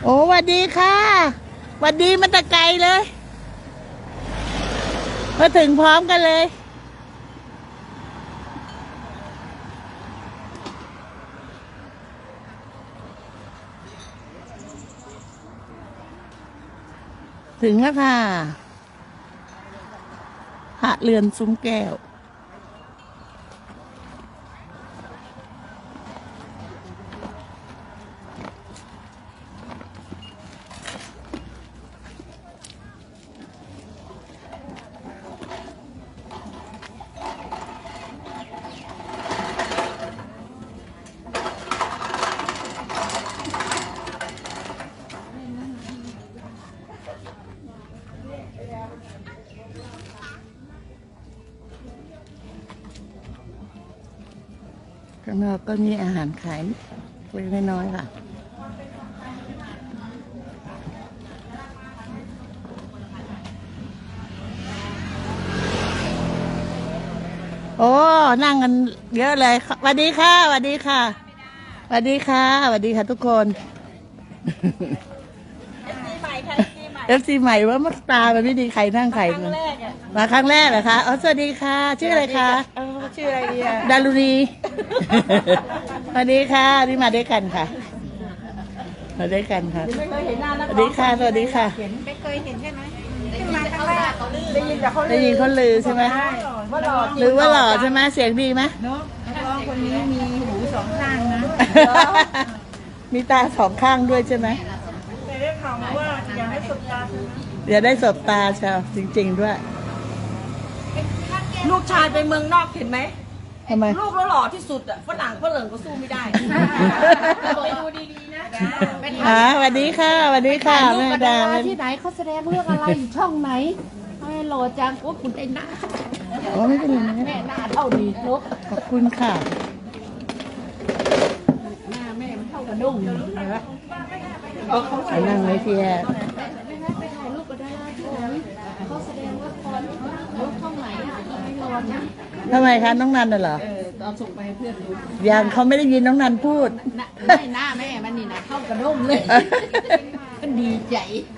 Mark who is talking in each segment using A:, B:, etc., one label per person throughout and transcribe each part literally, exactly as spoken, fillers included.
A: อ้หวัดดีค่ะหวัดดีมาแต่ไกลเลยมาถึงพร้อมกันเลยถึงแล้วค่ะหาเรือนซุ้มแก้วข้างนอกก็มีอาหารขายเล็กน้อยค่ะโอ้นั่งกันเยอะเลยสวัสดีค่ะสวัสดีค่ะสวัสดีค่ะสวัสดีค่ะทุกคนเอฟซีใหม่ว่ามักตามันไม่ดีใครนั่งใครมาครั้งแรกเหรอคะอ๋อสวัสดีค่ะชื่ออะไรคะ
B: ชื่ออะไรดีอะ
A: ดารุณีสวัสดีค่ะนี่มาด้วยกันค่ะมาด้วยกันค่ะสวัสดีค่ะสวัสดีค่ะ
B: ไม่เคยเห็นใช่ไหมได้ยินแต่เขาได้ยินแต่เขา
A: ได้ยินคนลือใช่ไหม
B: ว่าหล่อ
A: หรือว่าหล่อใช่ไหมเสียงดีไหม
B: เนาะนักร้องคนนี้มีหูสองข้างนะ
A: มีตาสองข้างด้วยใช่ไหม
B: แต่ได้ข่าวว่าอยากให้สบตา
A: อย่าได้สบตาชาวจริงๆด้วย
B: ลูกชายไปเมืองนอกเห็นไหม
A: ทำไม
B: ลูกแล้วหล่อที่สุดอ่ะฝรั่งฝรั่งก็สู้ไม่ได้ไปดูดีๆนะ
A: อ่าสวัสดีค่ะสวัสดีค่ะแม่ดา
C: ที่ไหนเขาแสดงเรื่องอะไรอยู่ช่องไหนไม่หล่อจังว่าคุณได้หน้า
A: โอ้ไม่เป็นไร
C: แม่หน้าเท่าดีลูก
A: ขอบคุณค่ะ
C: หน้าแม่มันเท่ากระด้งเลยวะ
A: ไปนั่งไว้ที่แอร์
C: ไปถ่ายรูปกับดาราที่ไหนเขาแสดงละครลูกช่องไหนอ่ะไม่รอนะ
A: ทำไมคะน้องนันน่ะเหรอ
C: เออตอนส่งไปให้เพื่อนดู
A: ยังเขาไม่ได้ยินน้องนันพูด
C: ไม่หน้าแม่มันนี่นะเท่ากระด้งเลยมันดีใจ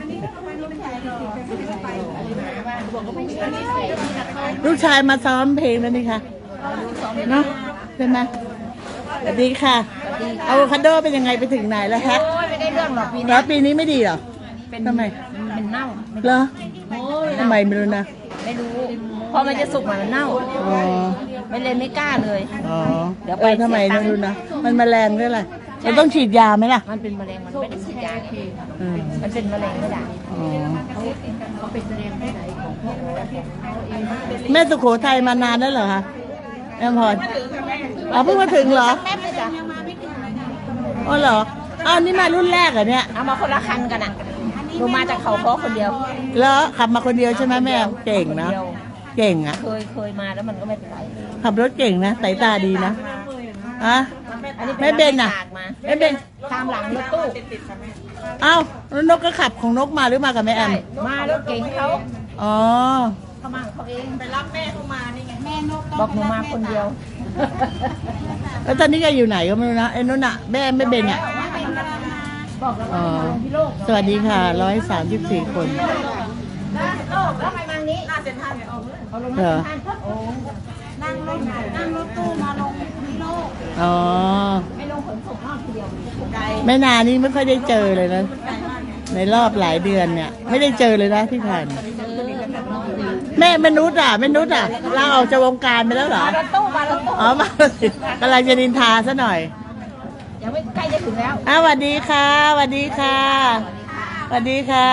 A: ลูกชายมาซ้อมเพลงแล้วนี่ค่ะเนาะใช่ไหมสวัสดีค่ะอะโวคาโดเป็นยังไงไปถึงไหนแล้วฮะ
B: ไม่ได้เรื่องหรอกปีนี้
A: แล้วปีนี้ไม่ดีเหรอทำไม
B: เป็นเน่า
A: เหรอทำไมไม่รู้นะ
B: ไม่รู้พอมันจะสุกมันเน่า
A: อ๋อ
B: ไม่เลยไม่กล้าเลย
A: อ๋อเดี๋ยวไปทำไมไม่รู้นะมันแมลงด้วยอะไรมันต้องฉีดยาไหมล่ะ
B: มันเป็นแมลงมันไม่ได้ฉีดยามันเป็นแมลงไม่ได้
A: อ๋อ
C: เขาเป็นแสดงที่ไหนของพวกเรา
A: แม่สุโขทัยมานานแล้วเหรอคะแม่พรอ๋อเพิ่งมาถึงเหรอ
B: แม่ไม่จ้ะ
A: อ๋อเหรออ้าวนี่มารุ่นแรกเหรอเนี่ย
B: เอามาคนละคันกันอ่ะหนูมาจากเขาเพาะคนเดียว
A: แล้วขับมาคนเดียวใช่ไหมแม่เก่งนะเก่งอ่ะ
B: เคยเคยมาแล้วมันก็ไม่เป็นไร
A: ขับรถเก่งนะสายตาดีนะอะไม่เบนอ่ะไม่เบน
B: ตามหลังรถตู้
A: อ้าวแล้วนกก็ขับของนกมาหรือมากับแม่แอม
B: มาแล้วเก่งเขา
A: อ๋อ
B: เขามาเขาเองไปรับแม่เขามานี่ไงแม่นกบอกหนูมาคนเดียว
A: แล้วตอนนี้แกอยู่ไหนก็ไม่รู้นะไอ้นุ่นอ่ะแม่ไม่เบนอ่ะอ๋อสวัสดีค่ะร้อยสามสิบสี่คน
B: แล้วไปมานี้น่าเซ็นทรัล
A: เหรอ
B: นั่งรถนั่งรถตู้มาลงที่โลก
A: อ๋อ
B: ไม่ลงขนส่งนอกทีเดียว
A: ไม่นานนี้ไม่ค่อยได้เจอเลยนะในรอบหลายเดือนเนี่ยไม่ได้เจอเลยนะที่ผ่านแม่มนุษย์อ่ะมนุษย์อ่ะเราออกจากวงการไปแล้วเหรอ
B: มารถตู้มารถตู้
A: อ๋อมากำลังจะนินทาซะหน่อย
B: ยังไม่ใกล้จะถึงแล้ว
A: อ้าวสวัสดีค่ะสวัสดีค่ะสวัสดีค่ะ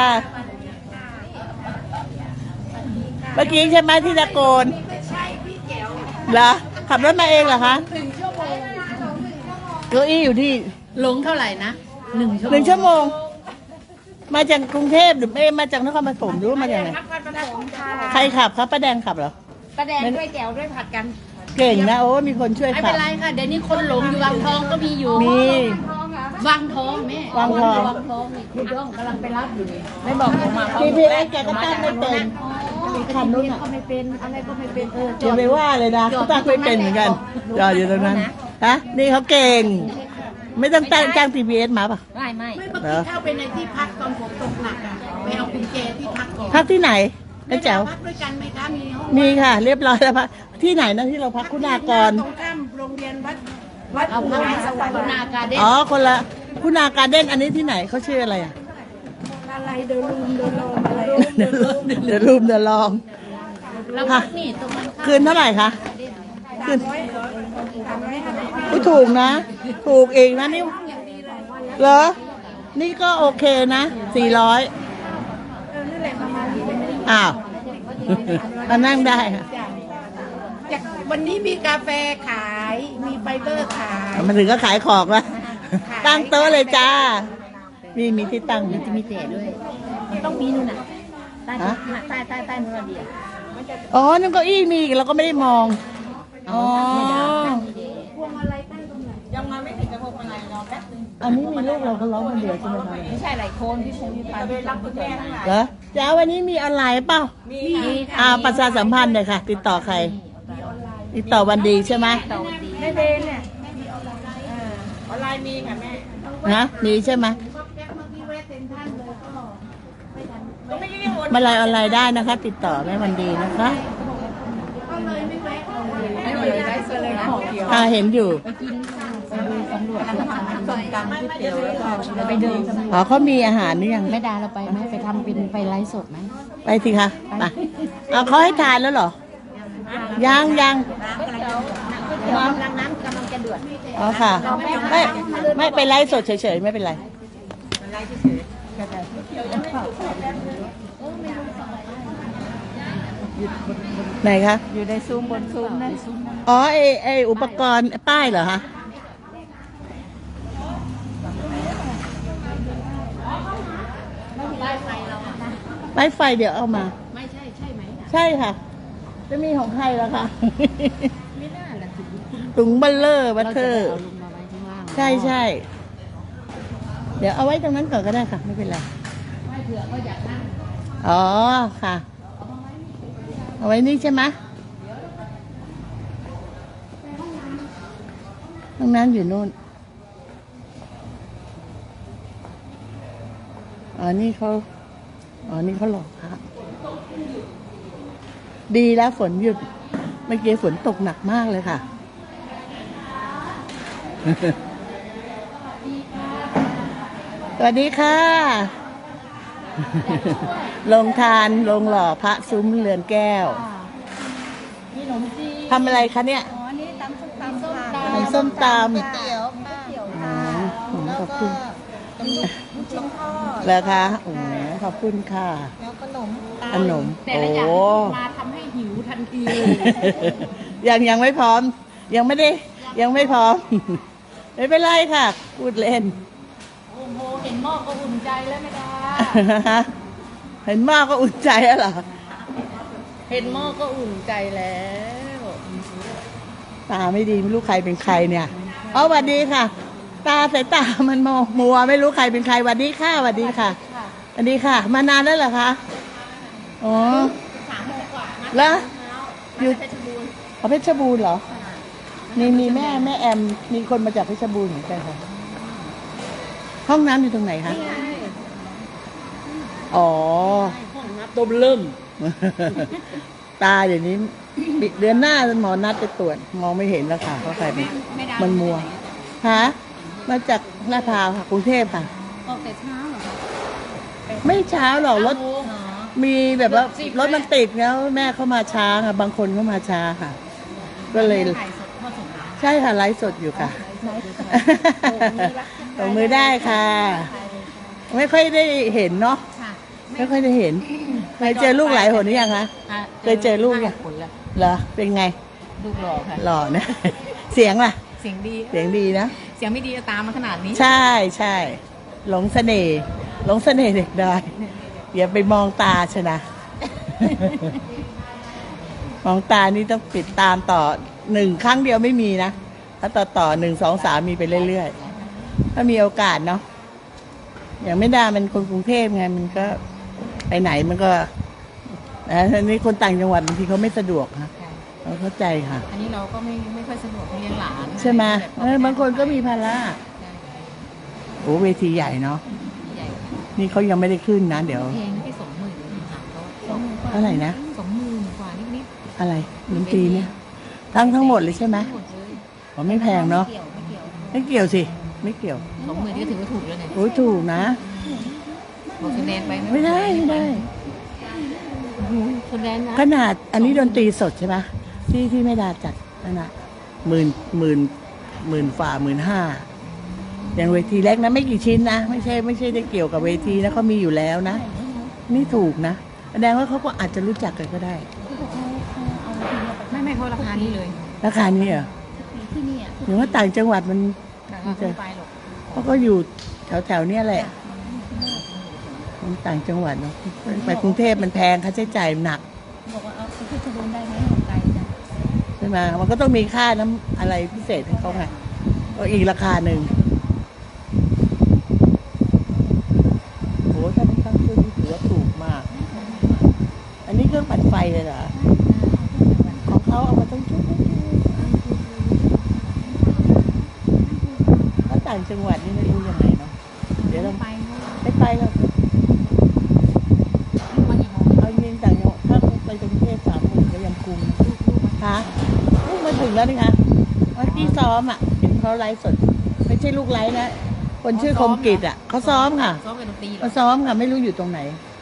A: เมื่อกี้ใช่ไหมที่ตะโกน
B: ใช่พี่แจ๋ว
A: เหรอขับรถมาเองเหรอคะหนึ่งชั่วโมงเก้าอี้อยู่ที่
C: ลงเท่าไหร่นะหนึ่งชั่วโมง
A: หนึ่งชั่วโมงมาจากกรุงเทพหรือไม่มาจากนครปฐมหรือมาจากไหนใครขับครับป้าแดงขับเหรอ
C: ป้าแดงด้วยแก้วด้วยผัดกัน
A: เก่งนะโอ้มีคนช่วยขับ
C: ไม่เป็นไรค่ะเดี๋ยวนี้คนหลงอยู่วังทองก็มีอยู่
A: มี
C: วังทองแม่
A: วังทอง
C: วังทองนี่คุณย่องกำลังไปรับอยู่นี่
B: ไม่บอกหนูมา
A: พีพีเอสแกก็ตั้งไม่เป็น
C: คันนู้นก็ไม่เป็นอะไรก็ไม่เป็นเออ
A: อย่าไปว่าเลยนะเขาตั้งไม่เป็นเหมือนกันจอดอยู่ตรงนั้นฮะนี่เขาเก่งไม่ต้องจ้างจ้างพีพีเอสมาป่ะ
B: ไม่ไม่
C: ไม่บ
A: เหรอ
B: เข้าไปในที่พักตอนฝนตกหนักอ่ะไปเอากุญแจที่พักก่อน
A: พักที่ไหนน้าแจ๋ว
B: พักด้วยกันไหมคะมีห้อง
A: มีค่ะ เรียบร้อยแล้วพักที่ไหนนะที่เราพักคุณากร
B: ตรงข้ามโรงเรียนวัดวัด
C: เอา
B: อุ
C: พัก
B: ไร
C: ใน
B: ส
C: ส
B: ว
C: ว
B: ร
C: ร
B: ร
C: ร
B: ค์
C: ณาการเด้น
A: อ๋อคนละคุณาการเด้นอันนี้ที่ไหนเขาชื่ออะไรอ่ะ
B: อะไรเดินลุมเดินลงอะไร
A: เดี๋ยวรูมเดี๋ยวรูมเดี๋ยวลอง
C: แล้วพักนี่ตรงมันข้าม
A: คืนเท่าไหร่คะคืน
B: ร้อยสามร้อยห้าสิบ
A: อุ๊ยถูกนะ ถูกเองนะนี่เหรอ นี่ก็โอเคนะสี่ร้อย
B: เออนั่นแหละประมาณนี้
A: อ้าวมานั่งได้ค่ะ
B: จากวันนี้มีกาแฟขายมีไฟเบอร์ขาย
A: มาถึงก็ขายของแล้วตั้งโต๊ะเลยจ้า มีมีที่ตั้งไหม
C: จะมีแต่ด้วย ต้องมีนู่นน่ะใต้ใต้ใต้ใต้นู่นน่ะเดียว
A: อ๋อนั่นเก้าอี้มีเราก็ไม่ได้มอง อ๋อ
B: ยังมาไม่ถึงกระพงอะไรรอแป๊บนึง
A: อันนี้มีลูกเราเขาร้องคนเดียวใช่ไหมคะ
C: ไม่ใช่หลายคนที่ใช้มีไป
B: ไปรับคุณแม่ทั้งหลาย
A: เหรอจ้าวันนี้มีออนไลน์เปล่า
B: มี
A: อ่าประชาสัมพันธ์เลยค่ะ ติดต่อใคร ติดต่อวันดีใช่ไหม
C: ต่อดี
B: แม่เบนเนี่ยออนไลน์มีค่ะแม่
A: นะมีใช่ไหม
B: ก็ไม่ได้วน
A: มาไลน์ออนไลน์ได้นะคะ ติดต่อแม่วันดีนะคะ
C: ไม่เลยได้เสื้อเลยนะ
A: อ่าเห็นอยู่
C: ตำรวจส้มตำก๋วยเตี๋ยวแล้วก็ไปเดินตำรวจ
A: อ๋อเขามีอาหารนี่ยัง
C: ไม่ได้เราไปไหมไปทำเป็นไปไลฟ์สดไหม
A: ไปสิคะไปเอาเขาให้ทานแล้วเหรอ ยังยัง
C: กำลังน้ำกำลังจะเดือด
A: อ๋อค่ะ ไม่ไม่ไปไลฟ์สดเฉยๆไม่เป็นไรไหนคะ
C: อยู่ในซุ้มบนซุ้มนะ
A: อ๋อไอไออุปกรณ์ป้ายเหรอคะป้ายไฟเดี๋ยวเอามา
C: ไม่ใช่ใช่ไหม
A: ใช่ค่ะ จะมีของใครแล้วคะ
C: ไม่น่าละถึง
A: ถุงบัลเลอร์บัต
C: เรา
A: เต
C: จะ
A: อร์
C: เอาลงมาไว้ข้างล่าง
A: ใช่ใช่เดี๋ยวเอาไว้ตรงนั้นก่อนก็ได้ค่ะ ไม่เป็นไร
C: ไม่เผื่อก็อยากนั่ง
A: อ๋อค่ะ เอาไว้นี่ใช่ไหมห้องน้ำอยู่นู่น อ๋อ นี่เขาอ๋อ นี่เขาหลอกพระดีแล้วฝนหยุด เมื่อกี้ฝนตกหนักมากเลยค่ะ สวัสดีค่ะ ลงทานลงหล่อพระซุ้มเรือนแก้ว
C: มีขนมจีน
A: ทำอะไรคะเนี่ย
C: อ๋อนี่ตำส้มตำส้มต
A: ทำส้มตำ
C: ก๋วยเตี๋ยวก๋วยเตี๋ยวค่ะ
A: อืมขอบคุณ
C: ลูกชิ้นทอด
A: แล้วคะโอ้ขอบคุณค่ะ
C: แล้วขนม
A: ขนม
C: แต่
A: โอ้
C: ละอย่างที่มาทำให้หิวทันทีเลย
A: ยังยังไม่พร้อม ยังไม่ได้ ยังไม่พร้อม ไม่เป็นไรค่ะ พูดเล่น
C: โอ้โหเห็นหม้อก็อุ่นใจแล้วไม่ได้
A: เห็นมากก็อุ่นใจแล้วเหรอ
C: เห็นหม้อก็อุ่นใจแล้ว
A: ตาไม่ดีไม่รู้ใครเป็นใครเนี่ยอ๋อสวัสดีค่ะ ตาสายตามันมองมัวไม่รู้ใครเป็นใครสวัสดีค่ะสวัสดีค่ะสวัสดีค่ะ มานานแล้วเหรอคะอ๋อ
C: สามโมงกว่านะ
A: แล้วอยู่
C: เพชรบูรณ์
A: อ๋อเพชรบูรณ์เหรอมีมีแม่แม่แอมมีคนมาจากเพชรบูรณ์เหมือนกันค่ะห้องน้ำอยู่ตรงไหนคะอ๋อ
C: ห้องนับต้มเริ่ม
A: ตาเดี๋ยวนี้เดือนหน้าหมอนัดไปตรวจมองไม่เห็นแล้วค่ะเพราะใครเป็นมันมัวฮะมาจากลาดพร้าวค่ะกรุงเทพค่ะ
C: ออกแต่เช้าเหรอคะ
A: ไม่เช้าหรอกรถ
C: โมงเหรอ
A: มีแบบว่ารถมันติดแล้วแม่เข้ามาช้าค่ะ บางคนเข้ามาช้าค่ะ ก็เลย
C: ถ่ายสดทอดสดเหรอ
A: ใช่ค่ะไลฟ์สดอยู่ค่ะตบมือได้ค่ะ ไม่ค่อยได้เห็นเนาะ
C: ค่ะ
A: ไม่ค่อยได้เห็นเคยเจอลูกหลายหนหรือยังคะ
C: อ่ะ
A: เคยเจอลูกยัง
C: ผลแล้ว
A: เหรอเป็นไง
C: ลูกหล่อค่ะ
A: หล่อนะ เสียงล่ะ
C: เสียงดี
A: เสียงดีนะ
C: เสียงไม่ดีจะตามมาขนาดนี้
A: ใช่ใช่หลงเสน่ห์หลงเสน่ห์เด็กได้อย่าไปมองตาชนะ มองตานี่ต้องปิดตามต่อหนึ่งครั้งเดียวไม่มีนะถ้าต่อต่อหนึ่งสองสามมีไปเรื่อยๆถ้ามีโอกาสเนาะอย่างไม่ได้มันคนกรุงเทพไงมันก็ไปไหนมันก็นะอันนี้คนต่างจังหวัดบางทีเขาไม่สะดวกค่ะเราเข้าใจค่ะ
C: อันนี้เราก็ไม่ไม่ค่อยสะดวกเลี้ยงหลาน
A: ใช่ไหมเออบางคนก็มีภาระอ้เวทีใหญ่เนาะ
C: ใหญ่
A: นี่เขายังไม่ได้ขึ้นนะ เดี๋ยว
C: แพงแค่สองหมื่นค่ะเขา
A: เท่าไหร่นะ
C: สองหมื่นกว่านิด
A: อะไรดนตรีเนี่ย ทั้งทั้งหมดเลยใช่ไหม
C: ๆหมดเลย
A: อ๋อไม่แพงเนาะ
C: ไม่เกี่ยวไม่เกี่ยว
A: ไม่เกี่ยวสิ ไม่เกี่ยว
C: สองหมื่นนี่ก็ถือว่าถูกแล้วเนี่ย
A: โอ้ยถูกนะ
C: บอกคะแนนไป
A: ไม่ได้ไม่ได้
C: คะแนนนะ
A: ขนาดอันนี้ดนตรีสดใช่ไหมที่ที่ไม่ดาจัดนั่นน่ะหมื่นหมื่นหมื่นฝ่าหมื่นห้าอย่างเวทีเล็กนะไม่กี่ชิ้นนะไม่ใช่ไม่ใช่ได้เกี่ยวกับเวทีนะเขามีอยู่แล้วนะ นี่ถูกนะแสดงว่าเขาก็อาจจะรู้จักกันก็ได้
C: ไม่ไม่เขาราคานี้เลย
A: ราคานี้เหรอ
C: ที่นี่อ่ะ
A: หรือว่าต่างจังหวัดมัน
C: ราคาไม่ไปหรอก
A: เขาก็อยู่แถวแถวๆเนี้ยแหละมันต่างจังหวัดเนาะไปกรุงเทพมันแพงค่าใช้จ่ายหนัก
C: บอกว่าเอาไปที่จะโดนได้ไหมของไกลจ้ะ
A: ใช่ไหมมันก็ต้องมีค่าน้ำอะไรพิเศษให้เขาไงก็อีกราคาหนึ่งโหถ้าไม่ตั้งขึ้นนี่ถือว่าถูกมาก อันนี้เครื่องปั่นไฟเลยเหรอ ของเขาเอามาต้องชุดถ้าต่างจังหวัดนี่ไม่รู้ยังไงเนาะ เดี๋ยวเรา
C: ไป
A: ไม่ไปแล้ว
C: มากี่โมง
A: เอาจริงต่างจังหวัดถ้าไปกรุงเทพสามหมื่นก็ยังคุ้มคะลูกมาถึงแล้วนี่คะวันที่ซ้อมอ่ะเห็นเขาไลฟ์สด ไม่ใช่ลูกไลฟ์นะ คนชื่อคมกิจอ่ะเขาซ้อมค่ะ
C: ซ้อมเป็นดนตรีเหรอ
A: เขาซ้อมค่ะ ไม่รู้อยู่ตรงไหน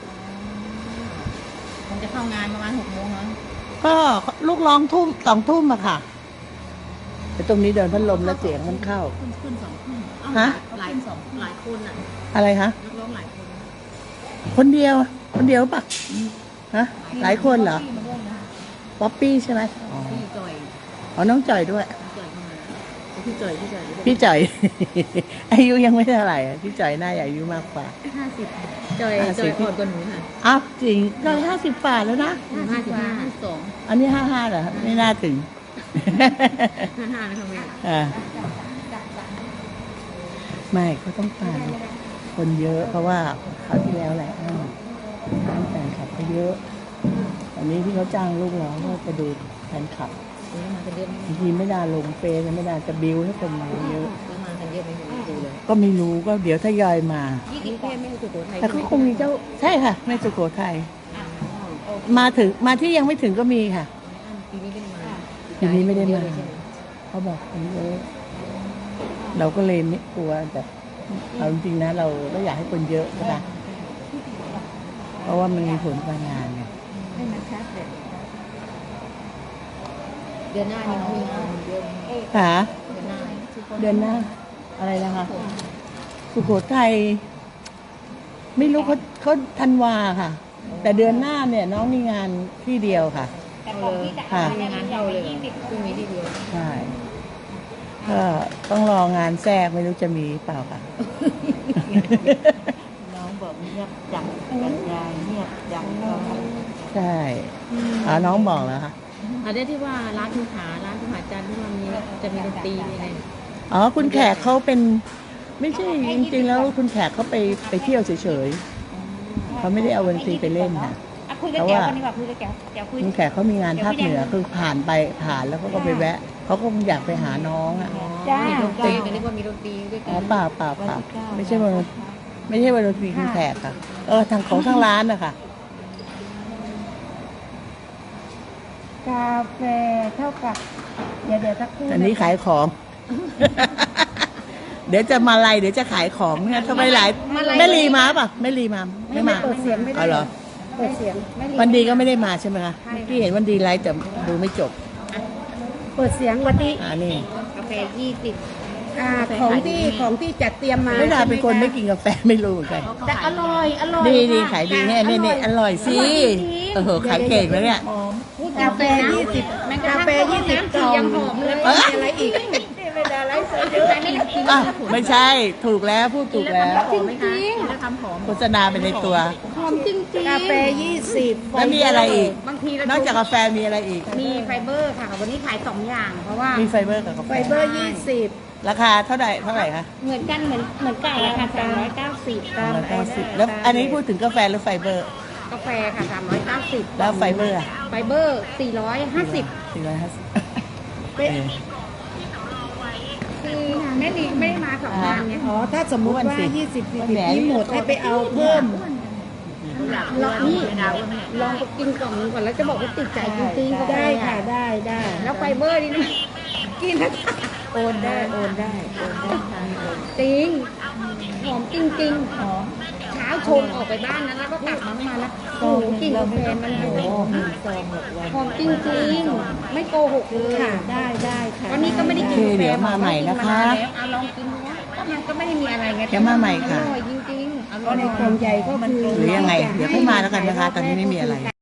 C: ผมจะเข้างานประมาณหกโมงเนาะ
A: ก็ลูกร้องทุ่มสองทุ่มอะค่ะแต่ตรงนี้เดินพัดลมแล้วเสียงมันเข้า
C: ขึ้นขึ้นสองทุ่มเอ้า
A: ฮะ
C: หลายสองหลายคนอ่ะ
A: อะไรคะ
C: นักร้องหลายคน
A: คนเดียว คนเดียวปะฮะ หลายคนเหรอ
C: พี่มาร่วมนะ
A: ป๊อปปี้ใช่ไหมอ๋อ
C: พี่จอย
A: อ๋อน้องจ่อยด้วย
C: พี่จอยเข้ามาพี่จอยพี่จอย
A: พี่จ่อย อายุยังไม่เท่าไหร่อะพี่จ่อยน่าจะอายุมากกว่า
C: ห้าสิบจอย
A: ห้า
C: จ
A: สิ
C: อบ ยอ่อนกว่าหนูค่ะ
A: อ้าวจริงก็ห้าสิบฝ่าแล้วนะ
C: ห้าสิบห้าห้าสิบสอง
A: อันนี้ห้าห้าเหรอไม่น่าถึง
C: ห้าห้านะคะแม่
A: อ่าไม่เขาต้องการคนเยอะเพราะว่าคราวที่แล้วแหละอ้าวแฟนคลับเขาเยอะอันนี้ที่เขาจ้างลูกเราก็จะดูแฟนคลับ
C: ซื้อมากันเยอะไหม
A: บางทีไม่ได้ลงเฟซไม่ได้จะบิวให้คนมาเยอะ
C: ซื้อมากันเยอะไหมไม่ดูเลย
A: ก็ไม่รู้ก็เดี๋ยวทยอยมา
C: ยี่สิบแค่ไม่สุโขทัย
A: แต่ก็คงมีเจ้าใช่ค่ะแม่สุโขทัยมาถึงมาที่ยังไม่ถึงก็มีค่ะ
C: ปีนี้ไม่ได้มา
A: ปีนี้ไม่ได้มา
C: เยอะเลยใช่ไห
A: เขาบอกคนเยอะเราก็เลยไม่กลัวแต่เอาจริงๆนะ เราเราอยากให้คนเยอะใช่ปะเพราะว่ามันมีผลการงานไง
C: ให้มันชัดเลยเดือนหน้านี่เขามีงานเยอะไหม
A: ค่ะ
C: เดือนหน้า
A: เดือนหน้า อะไรนะคะ สุโขทัยไม่รู้เขาเขาธันวาค่ะ แต่เดือนหน้าเนี่ย น้องมีงานที่เดียวค่ะ
C: เอาเลย
A: ค่ะ
C: มีงานเข้าเลยพรุ่งนี้ที่เดียว
A: ใช่ก็ต้องรองานแทรกไม่รู้จะมีเปล่าค่ะ
B: น้องบอกเงียบจังกันยายเงียบจังเขา
A: ใช่อ๋อน้องบอกแล้วค่ะ
C: อันนี้ที่ว่าร้านทุกขาร้านทุกขาจันทร์ที่ว่ามีจะมีดนตรีมีอะไร
A: อ๋อคุณแขกเขาเป็นไม่ใช่จริงๆแล้วคุณแขกเขาไปไปเที่ยวเฉยๆเขาไม่ได้เอาดนตรีไปเล่นนะ
B: อ่ะคุยกับแกวคนนี้ก่อนคุยกับแกวแกวคุย
A: คุณแขกเขามีงานภาคเหนือคือผ่านไปผ่านแล้วเขาก็ไปแวะเขาก็คงอยากไปหาน้องอ่ะ
B: จ้า
C: มีดนตรีกันเรียกว่ามีดนตรีด้วย
A: อ๋
C: กั
A: อน เปล่าเปล่าเปล่าไม่ใช่วันไม่ใช่วันดนตรีคุณแขกค่ะ เออทางของทางร้านนะคะ
B: กาแฟเท่ากับเดี๋ยวเดี๋ยวสักครู่
A: อันนี้ขายของ เดี๋ยวจะมาไล่เดี๋ยวจะขายของเนี่ยทำไมหลายแม่ลีมาป่ะแม่ลีมาไม่มา
B: เปิดเสียงไม่ได้
A: อ๋อเหรอ
B: เปิดเสียงไม่ได้
A: วันดีก็ไม่ได้มาใช่ไหมคะเมื่อกี้เห็นวันดีไลฟ์แต่ดูไม่จบ
B: เปิดเสียงวันที่
A: อ่านี่
C: กาแฟยี่สิบ
B: อ่าของที่ของที่จัดเตรียมมา
A: ไม่ได้เป็นคนไม่กินกาแฟไม่รู้เหมือนกัน
B: แต่อร่อยอร่อย
A: ดีดี
B: ค่ะ
A: ขายดีแน่นี่นี่อร่อยสิโอ้โหขายเก่งแล้วเนี่ย
B: กาแฟยี่สิบกาแฟยี่สิบกล่อง
C: ยังหอมเลย
A: เอ้ย
B: มีอะไรอีกไม่ได้อะไรเสเยอะ
A: อ้าวไม่ใช่ถูกแล้วพูดถูกแล้ว
C: หอมไหมคะแล้วทำหอม
A: โฆษณาไปในตัว
C: หอมจริงๆ
B: กาแฟยี่สิบ
A: แล้วมีอะไรอีก
C: บางทีเรา
A: นอกจากกาแฟมีอะไรอีก
C: มีไฟเบอร์ค่ะ วันนี้ขายสองอย่าง เพราะว่า
A: มีไฟเบอร์กับกาแฟ
B: ไฟเบอร์ยี่สิบ
A: ราคาเท่าไหร่เท่าไหร่คะ
C: เหมือนกันเหมือนเหมือนไก่อะค่ะสามร้อยเก้าสิบ
A: สามร้อยเก้าสิบแล้วอันนี้พูดถึงกาแฟหรือไฟเบอร์
C: กาแฟค่ะสามร้อยเก้าสิบ
A: แล้วไฟเบอร์อะ
C: ไฟเบอร์สี่ร้อยห้าสิบ
A: สี่ร้อยห้าสิบ
B: เป๊ะ
C: คือแม่ลีไม่ได้มาสองวันไง
D: อ๋อถ้าสมมุติว่า
A: วันสิ
D: ยี่สิบ
A: วัน
D: สี่
A: แหน
D: นี้หมดให้ไปเอาเพิ่ม
C: ลองนี่ลองไปกินกล่องนึงก่อนแล้วจะบอกว่าติดใจจริงๆก็
D: ได้ค่ะได้ได้
C: แล้วไฟเบอร์นี่นะกินแล้ว
D: โอนได้โอนได้โอนได้ทางโอน
C: จริงหอมจริงๆหอมเช้าชงออกไปบ้านนั้นแล้วก็กลับมามาแล้วโอ้โหกลิ่นกาแฟมันหอม
D: ซองหกวัน
C: หอมจริงๆไม่โกหกเลย
D: ค่ะได้ได้ค่ะ
C: วันนี้ก็ไม่ได้กิน
A: โอเค
C: กาแฟ
A: เดี๋ยวมาใหม่นะคะ
C: แล้วเอาลองกินดูว่าก็มันก็ไม่ได้มีอะไรไง
A: เดี๋ยวมาใหม่ค่ะ
C: อร่อยจริงๆอร่
D: ก็
C: อย
D: ในกล่องใหญ่ก็คือ
A: หรือยังไง เดี๋ยวค่อยมาแล้วกันนะคะ ตอนนี้ไม่มีอะไร